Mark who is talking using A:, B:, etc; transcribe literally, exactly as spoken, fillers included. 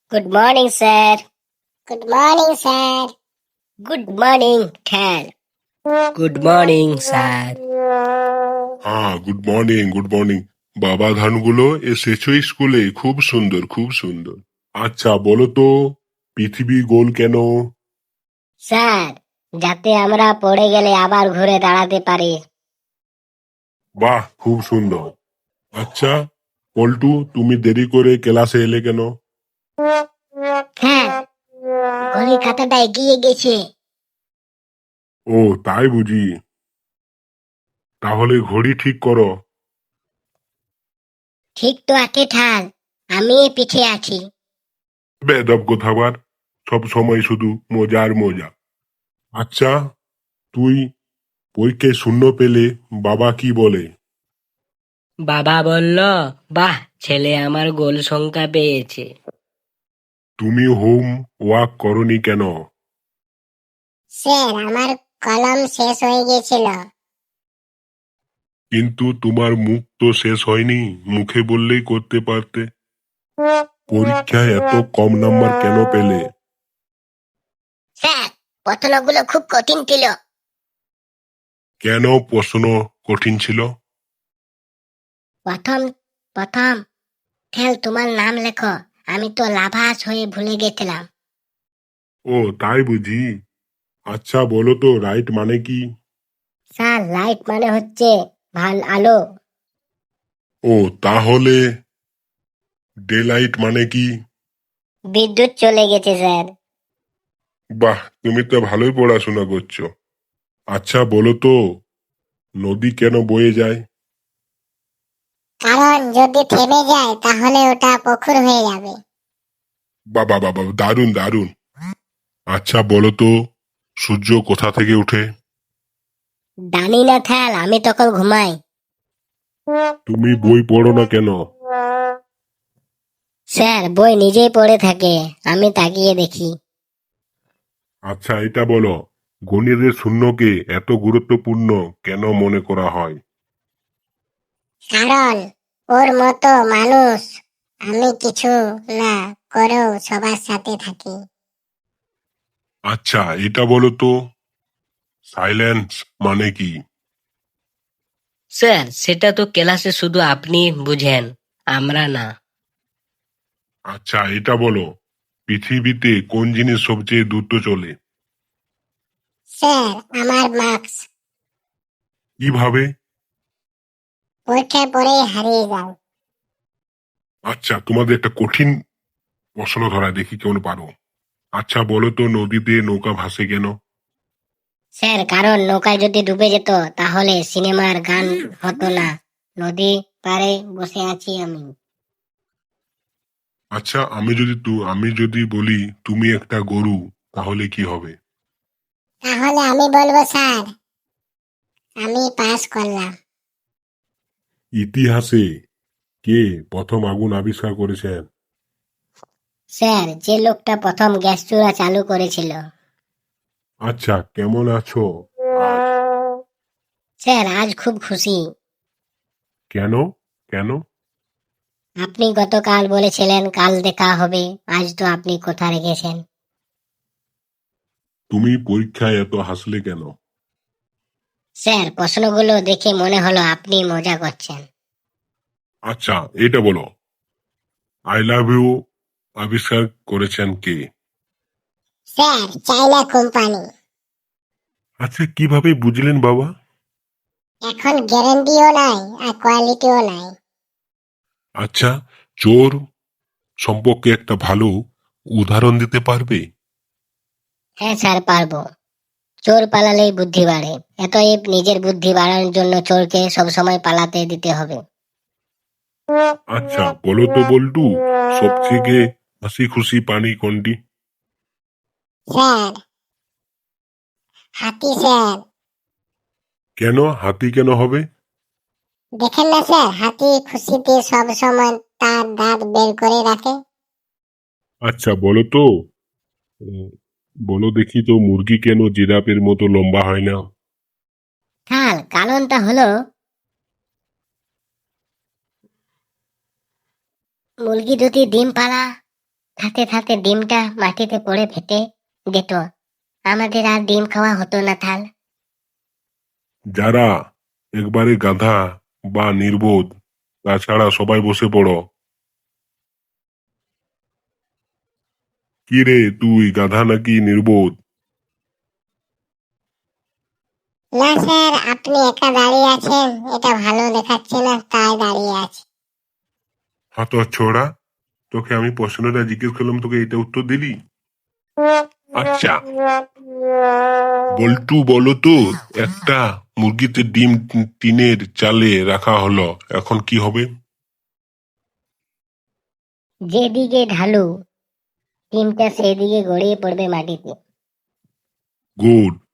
A: Good morning sir.
B: Good morning sir.
A: Good morning ঠ্যাল। Good morning sir.
C: হ্যাঁ, good morning good morning. বাবা ধানগুলো এসেছো স্কুলে? খুব সুন্দর, খুব সুন্দর। আচ্ছা বলো তো, পৃথিবী গোল কেন?
A: স্যার, যাতে আমরা পড়ে গেলে আবার ঘুরে দাঁড়াতে পারি।
C: বাহ, খুব সুন্দর। আচ্ছা পল্টু, তুমি দেরি করে ক্লাসে এলে কেন?
A: হ্যাঁ, ঘড়ির কাঁটাটা এগিয়ে গেছে।
C: ও তাই বুঝি। তাহলে ঘড়ি ঠিক করো।
A: ঠিক তো আছে ঠাল, আমি পিছে আছি।
C: বেদব কোথাবার, সব সময় শুধু মজা আর মজা। আচ্ছা, তুই পরীক্ষায় শূন্য পেলে বাবা কি বলে?
D: বাবা বলল, বাহ, ছেলে আমার গোল সংখ্যা পেয়েছে।
C: তুমি হোম ওয়ার্ক করনি কেন?
B: স্যার, আমার কলম শেষ হয়ে গেছিল।
C: কিন্তু তোমার মুখ তো শেষ হয়নি, মুখে বললেই করতে পারতে। পরীক্ষায় এত কম নাম্বার কেন পেলে?
A: স্যার, প্রশ্নগুলো খুব কঠিন ছিল।
C: কেন প্রশ্ন কঠিন ছিল?
A: প্রথম প্রথম ঠেল, তোমার নাম লেখো। আমি তো লাভাস হয়ে ভুলে গেছিলাম।
C: ও তাই বুঝি। আচ্ছা বলো তো, রাইট মানে কি?
A: স্যার, লাইট মানে হচ্ছে ভাল আলো।
C: ও তাহলে ডে লাইট মানে কি?
A: বিদ্যুৎ চলে গেছে স্যার।
C: বাহ, তুমি তো ভালোই পড়াশোনা করছো। আচ্ছা বলো তো, নদী কেন বয়ে যায়?
B: কারণ যদি থেমে যায় তাহলে ওটা পুকুর হয়ে যাবে।
C: বাবা বাবা, দারুণ দারুণ। আচ্ছা বলো তো, সূর্য কোথা থেকে ওঠে?
A: জানি না ঠেল, আমি তখন ঘুমাই।
C: তুমি বই পড়ো না কেন?
A: স্যার, বই নিজেই পড়ে থাকে, আমি তাকিয়ে দেখি।
C: আচ্ছা এটা বলো, গণিতের শূন্যকে এত গুরুত্বপূর্ণ কেন মনে করা হয়?
B: কারণ ওর মতো মানুষ আমি কিছু না করেও সবার সাথে থাকি।
C: আচ্ছা এটা বলো তো, সাইলেন্স মানে কি?
D: স্যার, সেটা তো ক্লাসে শুধু আপনি বুঝেন, আমরা না।
C: আচ্ছা এটা বলো, পৃথিবীতে কোন জিনিস সবচেয়ে দ্রুত চলে?
B: স্যার, আমার মার্কস
C: কিভাবে?
B: পরীক্ষায় পরেই হারিয়ে যায়।
C: আচ্ছা তোমাদের একটা কঠিন প্রশ্ন ধরা, দেখি কেমন পারো। আচ্ছা বলো তো, নদীতে নৌকা ভাসে কেন?
A: স্যার, কারণ নৌকায় যদি ডুবে যেত তাহলে সিনেমার গান হতো না। নদী পাড়ে বসে আছি আমি।
C: আচ্ছা আমি যদি তু আমি যদি বলি তুমি একটা গরু, তাহলে কি হবে?
B: তাহলে আমি বলবো স্যার, আমি পাস করলাম।
C: ইতিহাসে কে প্রথম আগুন আবিষ্কার করেছেন?
A: স্যার, যে লোকটা প্রথম গ্যাস চুলা চালু করেছিল।
C: আচ্ছা কেমন আছো আজ?
A: স্যার, আজ খুব খুশি।
C: কেন? কেন?
A: আপনি গতকাল বলেছিলেন কাল দেখা হবে, আজ তো আপনি কথা রেখেছেন।
C: তুমি পরীক্ষায় এত হাসলে কেন?
A: স্যার, প্রশ্নগুলো দেখে মনে হলো আপনি মজা করছেন।
C: আচ্ছা এটা বলো, আই লাভ ইউ আবিষ্কার করেছেন কে?
B: স্যার, চাইনা কোম্পানি।
C: আচ্ছা কিভাবে বুঝলেন বাবা?
B: এখন গ্যারান্টিও নাই আর কোয়ালিটিও নাই।
C: আচ্ছা, চোর সম্পর্কে একটা ভালো উদাহরণ দিতে পারবে?
A: হ্যাঁ স্যার, পারবো। চোর পালালেই বুদ্ধি বাড়ে, এতএব নিজের বুদ্ধি বাড়ানোর জন্য চোরকে সবসময় পালাতে দিতে হবে।
C: আচ্ছা বলো তো বল্টু, সবথেকে হাসি খুশি প্রাণী কোনটি?
B: স্যার, হাতি স্যার।
C: কেন হাতি কেন হবে?
B: দেখেন না স্যার, হাতি খুশিতে সব সময় তার দাঁত বের করে রাখে।
C: আচ্ছা বলো তো, উম, বলো দেখি তো, মুরগি কেন জিরাফের মতো লম্বা হয় না?
A: খাল, কারণটা হলো মুরগি যদি ডিম পাড়া থাতে থাতে ডিমটা মাটিতে পড়ে ফেটে যেত, আমাদের আর ডিম খাওয়া হতো না থাল।
C: যারা একবারে গাধা বা নির্বোধ, তাছাড়া সবাই বসে পড়ো। কি রে তুই, গাধা নাকি নির্বোধ?
B: না স্যার, আপনি একা দাঁড়িয়ে আছেন, এটা ভালো দেখাচ্ছে না, তাই দাঁড়িয়ে আছি।
C: হাত ছোড়া, তোকে আমি প্রশ্নটা জিজ্ঞেস করলাম, তোকে এটা উত্তর দিলি? আচ্ছা বল্টু, বলো তো, একটা মুরগিতে ডিম টিনের চালে রাখা হলো, এখন কি হবে?
A: যেদিকে ঢালু ডিমটা সেদিকে গড়িয়ে পড়বে মাটিতে।
C: গুড।